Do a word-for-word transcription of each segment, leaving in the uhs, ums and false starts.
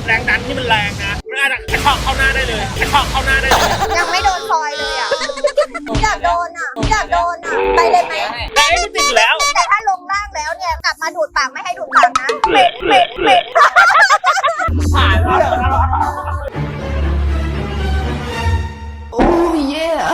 แรงดันที่มันแรงนะมันอาจจะกระชอกเข้าหน้าได้เลยกระชอกเข้าหน้าได้เลยยังไม่โดนซอยเลยอ่ะอยากโดนอ่ะอยากโดนอ่ะไปเลยไหมได้ไม่ติดอยู่แล้วแต่ถ้าลงล่างแล้วเนี่ยกลับมาดูดปากไม่ให้ดูดปากนะเป็ดเป็ดเป็ดผ่านแล้ว Oh yeah.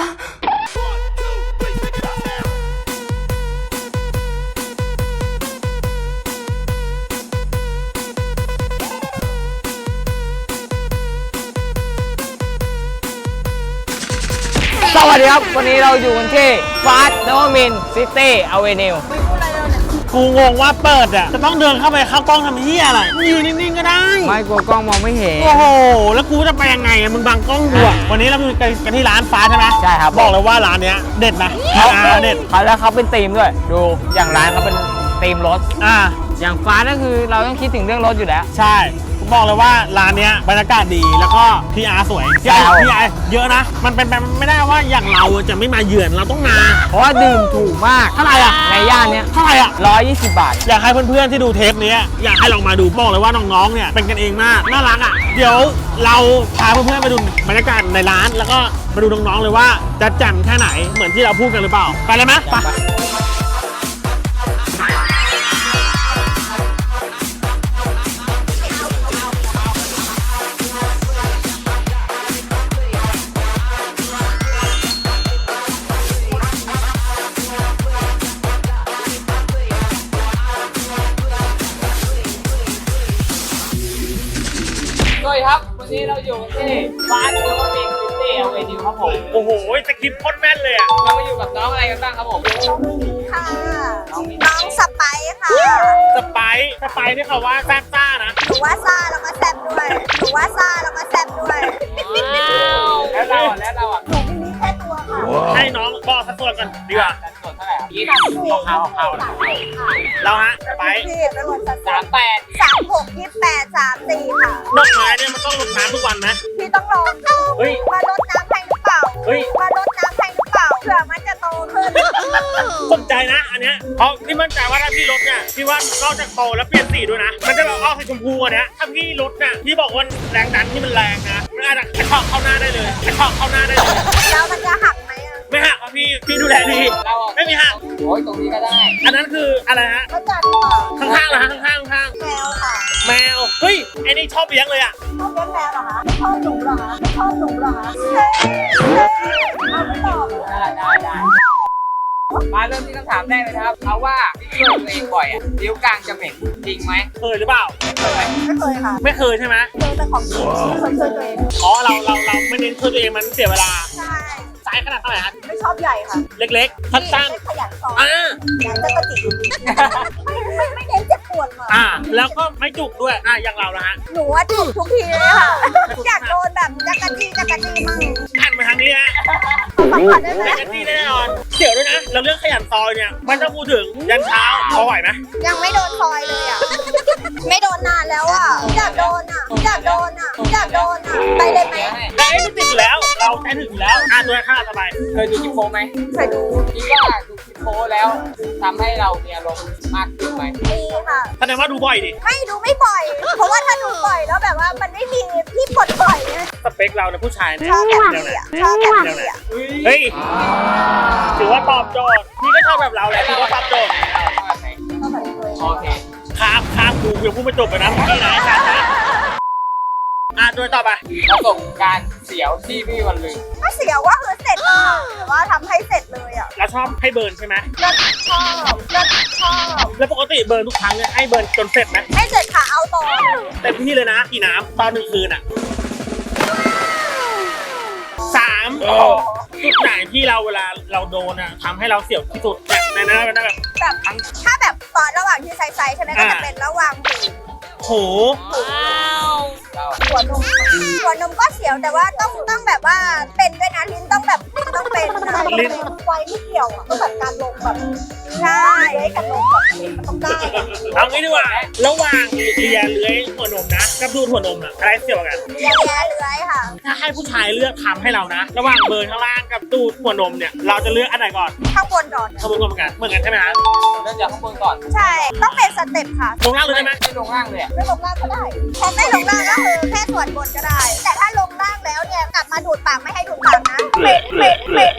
สวัสดีครับวันนี้เราอยู่กันที่ฟาสต์นวมินทร์ซิตี้อเวนิวกูงงว่าเปิดอ่ะจะต้องเดินเข้าไปเข้ากล้องทำเหี้ยอะไรยืนนิ่งๆก็ได้ไม่กลัวกล้องมองไม่เห็นโอ้โหแล้วกูจะไปยังไงอะมึงบังกล้องกูอะวันนี้เราอยู่กันที่ร้านฟ้าใช่ไหมใช่ครับบอกเลยว่าร้านเนี้ยเด็ดนะเขาอ่าเด็ดเขาแล้วเขาเป็นธีมด้วย ดูอย่างร้านเขาเป็นธีมรถอ่าอย่างฟ้าก็คือเราต้องคิดถึงเรื่องรถอยู่แล้วใช่ผมบอกเลยว่าร้านเนี้ยบรรยากาศดีแล้วก็พีอาร์สวยพีใช่อาร์พีอาร์เยอะนะมันเป็นไปไม่ได้ว่าอย่างเราจะไม่มาเยือนเราต้องมาเพราะว่าดื่มถูกมากเท่าไหร่อะในย่านเนี้ยเท่าไหร่อ่ะร้อยยี่สิบบาทอยากให้เพื่อนๆที่ดูเทปนี้อยากให้ลองมาดูบอกเลยว่าน้องๆเนี่ยเป็นกันเองมากน่ารักอ่ะเดี๋ยวเราพาเพื่อนๆไปดูบรรยากาศในร้านแล้วก็มาดูน้องๆเลยว่าจะแจ่มแค่ไหนเหมือนที่เราพูดกันหรือเปล่าไปเลยไหมไปสวัสดีครับวันนี้เราอยู่กันที่ฟาสต์นวมินทร์ซิตี้อเวนิวครับผมโอ้โหสคริปต์โคตรแม่นเลยอ่ะเรามาอยู่กับน้องอะไรกันบ้างครับผมค่ะน้องสไปซ์ค่ะสไปซ์สไปซ์นี่เขาว่าแซ่บซ่านะหนูว่าซ่าแล้วก็แซ่บด้วยหนูว่าซ่าแล้วก็แซ่บด้วยแล้วเราอ่ะแล้วเราอ่ะหนูมีนี้แค่ตัวค่ะให้น้องบอกสัดส่วนกันดีกว่าสัดส่วนเท่าไหร่ครับยี่สามสิบสี่ข้าวข้าวสามสี่ค่ะเราฮะสไปซ์พี่เป็นคนสัดส่สาวนมแปดสามหกยี่แปดสามสี่ค่ะดอกไม้เนี่ยมันต้องรดน้ำทุกวันนะพี่ต้องลองดูเฮ้ยว่ารดน้ำให้หรือเปล่าเฮ้ยว่ารดน้ำให้หรือเปล่าเผื่อมันจะโตขึ้นสนใจนะอันเนี้ยเพราะพี่มั่นใจว่าถ้าพี่ลดเนี่ยพี่ว่านอกจากโตแล้วเปลี่ยนสีด้วยนะมันจะแบบออกสีชมพูอันเนี้ยถ้าพี่ลดเนี่ยพี่บอกว่าแรงดันที่มันแรงนะมันอาจจะกระชอกเข้าหน้าได้เลยกระชอกเข้าหน้าได้เลยแล้วมันจะหักไหมอ่ะไม่หักครับพี่พี่ดูแลดีเราอ่ะไม่มีหักโอ้ยตรงนี้ก็ได้อันนั้นคืออะไรฮะก็จัดค่ะข้างๆเหรอฮะข้างๆข้างแมวค่ะๆแมวเฮ้ยไอ้นี่ชอบเลี้ยงเลยอ่ะชอบเลี้ยงแมวเหรอคะไม่ชอบหนูเหรอคะไม่ชอบหนูเหรอคะเฮ้ยเฮ้ยเอาไม่ตอบเลยได้ได้ได้มาเริ่มที่คำถามแรกเลยนะครับเอาว่าพี่ช่วยตัวเองบ่อยอ่ะนิ้วกลางจะเหม็นจริงไหมเคยหรือเปล่าเคยไหมไม่เคยค่ะไม่เคยใช่ไหมเจอแต่ของจริงไม่เคยช่วยตัวเองอ๋อเราเราเราไม่เน้นช่วยตัวเองมันเสียเวลาใช่ไซส์ขนาดเท่าไหร่ฮะไม่ชอบใหญ่ค่ะเล็กๆสั้นไม่ขยันสอนๆอ่าอยากจะกระจิกไม่ไม่ไม่เน้นเจ็บปวดหรอกอ่าแล้วก็ไม่จุกด้วยอ่าอย่างเราละฮะหนูว่าจุกทุกทีเลยค่ะอยากโดนแบบจักรจี้จักรจี้มั่งหันมาทางนี้ฮะขอสัมผัสได้ไหมจักรจี้แน่นอนเดี๋ยวด้วยนะเราเรื่องขยันซอยเนี่ยมันต้องพูดถึงยันเช้าพอไหวไหมยังไม่โดนซอยเลยอ่ะไม่โดนนานแล้วอ่ะอยากโดนอ่ะอยากโดนอ่ะอยากโดนอ่ะไปเลยไหมได้ไม่ติดอยู่แล้ว เราใช้ถึงอยู่แล้วอ่าตัวค่าสบายเคยดูคลิปโป๊ไหมเคยดูคิดว่าดูคลิปโป๊แล้วทำให้เรามีอารมณ์มากขึ้นไหมมีค่ะแสดงว่าดูบ่อยดิไม่ดูไม่บ่อย เพราะว่าถ้าดูบ่อยแล้วแบบว่ามันไม่มีที่ปลดปล่อยไงสเปคเราเนี่ยผู้ชายเนี่ยชอบแบบเดี๋ยวนี้นะอ่ะชอบแบบนี้อ่ะเฮ้ยถือว่าตอบโจทย์พี่ก็ชอบแบบเราแหละถือว่าตอบโจทย์ชอบไหนชอบแบบนี้เลยโอเคข้ามข้ามกูยังพูดไม่จบเลยนะเมื่อกี้นะไอ้สัตว์นะอ่ะโดยต่อไปประสบการณ์เสียวที่พี่วันลืมถ้าเสียว่าคือเสร็จเลยค่ะแต่ว่าทำให้เสร็จเลยอ่ะเราชอบให้เบิร์นใช่ไหมก็ชอบก็ชอบแล้วปกติเบิร์นทุกครั้งเนี่ยให้เบิร์นจนเสร็จไหมให้เสร็จค่ะเอาต่อเต็มที่เลยนะกี่น้ำตอนหนึ่งคืนอ่ะสามจุดไหนที่เราเวลาเราโดนอ่ะทำให้เราเสียวที่สุดแบบในนั้นเป็นแบบแบบถ้าแบบตอนระหว่างที่ไซส์ๆใช่ไหมก็จะเป็นระหว่างหูโหเราหัวนมหัวนมก็เสียวแต่ว่าต้องต้องแบบว่าเป็นด้วยนะลิ้นต้องแบบลิ้นต้องเป็นนะลิ้นไวไม่เกี่ยวอ่ะก็แบบการลงแบบใช่การลงแบบมันต้องได้อะเอางี้ดีกว่าระหว่างเลียเลื้อยหัวนมนะกับดูดหัวนมอะอะไรเสี่ยวกันเลี้ยงแย่เลื้อยค่ะถ้าให้ผู้ชายเลือกทำให้เรานะ ระหว่างเบิร์นข้างล่างกับดูดหัวนมเนี่ยเราจะเลือกอันไหนก่อนข้างบนก่อนขบวนกันเหมือนกันเหมือนกันใช่ไหมฮะเริ่มจากข้างบนก่อนใช่ต้องเป็นสเต็ปค่ะลงล่างเลยได้ไหมไม่ลงล่างเลยอะไม่ลงล่างก็ได้พอไม่ลงล่างก็คือแค่ส่วนบนก็ได้ แต่ถ้าลงล่างแล้วเนี่ยกลับมาดูดปากไม่ให้ดูดปากนะเหม็นเหม็นเหม็น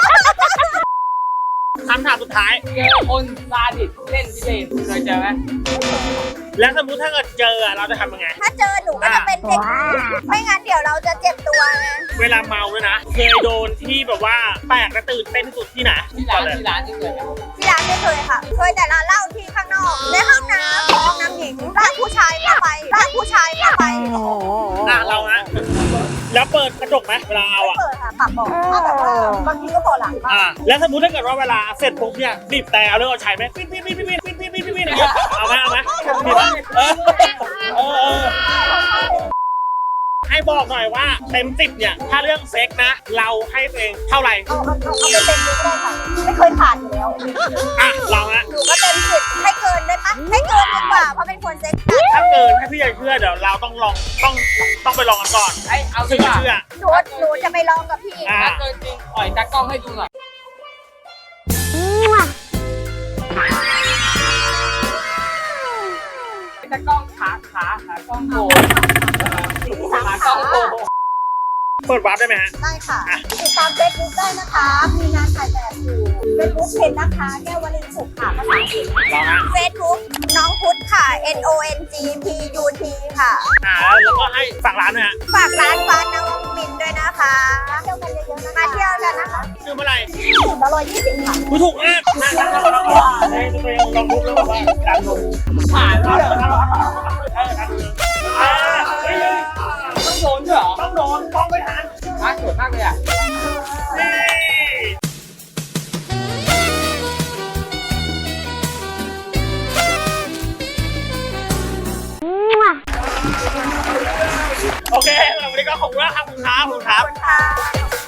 คำถามสุดท้ายเจอคนซาดิสเล่นพิเรนเคยเจอไหมแล้วสมมติถ้าเกิดเจออะเราจะทำยังไงถ้าเจอหนูก็จะเป็นเด็กไม่งั้นเดี๋ยวเราจะเจ็บตัวไงเวลาเมาด้วยนะเคยโดนที่แบบว่าแปลกและตื่นเต้นที่สุดที่ไหนที่ร้านที่ร้านที่เคยไหมที่ร้านไม่เคยค่ะ เคยแต่ร้านเหล้าที่ข้างนอก ในห้องน้ำห้องน้ำหญิงร้านผู้ชายก็ไปร้านผู้ชายก็ไปอ่ะเรานะแล้วเปิดกระจกไหมเวลาเอาไม่อ่ะเปิดค่ะปากบอกถ้าแบบว่าบางทีก็พอหลังบ้างอ่ะแล้วสมมติถ้าเกิดว่าเวลาเสร็จปุ๊บเนี่ยบีบแต่เอาเรื่องเอาใช้ไหมปิ๊ดปิ๊ดปิ๊ดปิ๊ดปิ๊ดปิ๊ดปิ๊ดปิ๊ดปิ๊ดอย่างเงี้ยเอาไหมเอาไหมบีบไหมเออเออเออให้บอกหน่อยว่าเต็มสิบเนี่ยถ้าเรื่องเซ็กนะ เราให้ตัวเองเท่าไหร่เอาเอาเอาเอาไปเต็มเลยก็ได้ค่ะ ไม่เคยผ่านอยู่แล้วอ่ะเรานะหนูก็เต็มสิบให้เกินได้ปะให้เกินดีกว่าเพราะเป็นคนเซ็กซ์ถ้าเกินให้พี่ใหญ่เชื่อเดี๋ยวเราต้องลองต้องต้องไปลองกันก่อนไอ้เอาถึดีงกจะว่าเชื่อหนูหนูจะไปลองกับพี่อ่ะถ้าเกินจริงปล่อยตากล้องให้ดูหน่อยตากล้องขาขาขากล้องโผล่ขากล้องโผล่เปิดวาร์ปได้ไหมฮะได้ค่ะ ติดตามเฟซบุ๊กได้นะคะ มีงานถ่ายแบบอยู่เฟซบุ๊กเพจนะคะ แก้ววลินสุขค่ะภาษาอังกฤษลองฮะเฟซบุ๊กน้องพุทธค่ะ N O N G P U T ค่ะอ่าแล้วก็ให้ฝากร้านด้วยฮะฝากร้านฟ้านวมินทร์ด้วยนะคะเที่ยวกันเยอะๆนะคะมาเที่ยวกันนะคะชื่อเมื่อไหร่ถึงละร้อยยี่สิบค่ะกูถูกมากนะนะเราลองในตัวเองลองบุ๊กแล้วบอกว่าดันลงผ่านเอแล้วอดันลงเออดันลงอ่าเฮ้ยต้องโดนด้วยเหรอต้องโดนต้องไม่ทันร้านสวยมากเลยอ่ะนี่โอเควันนี้ก็ขอบคุณมากครับคุณครับคุณครับขอบคุณค่ะ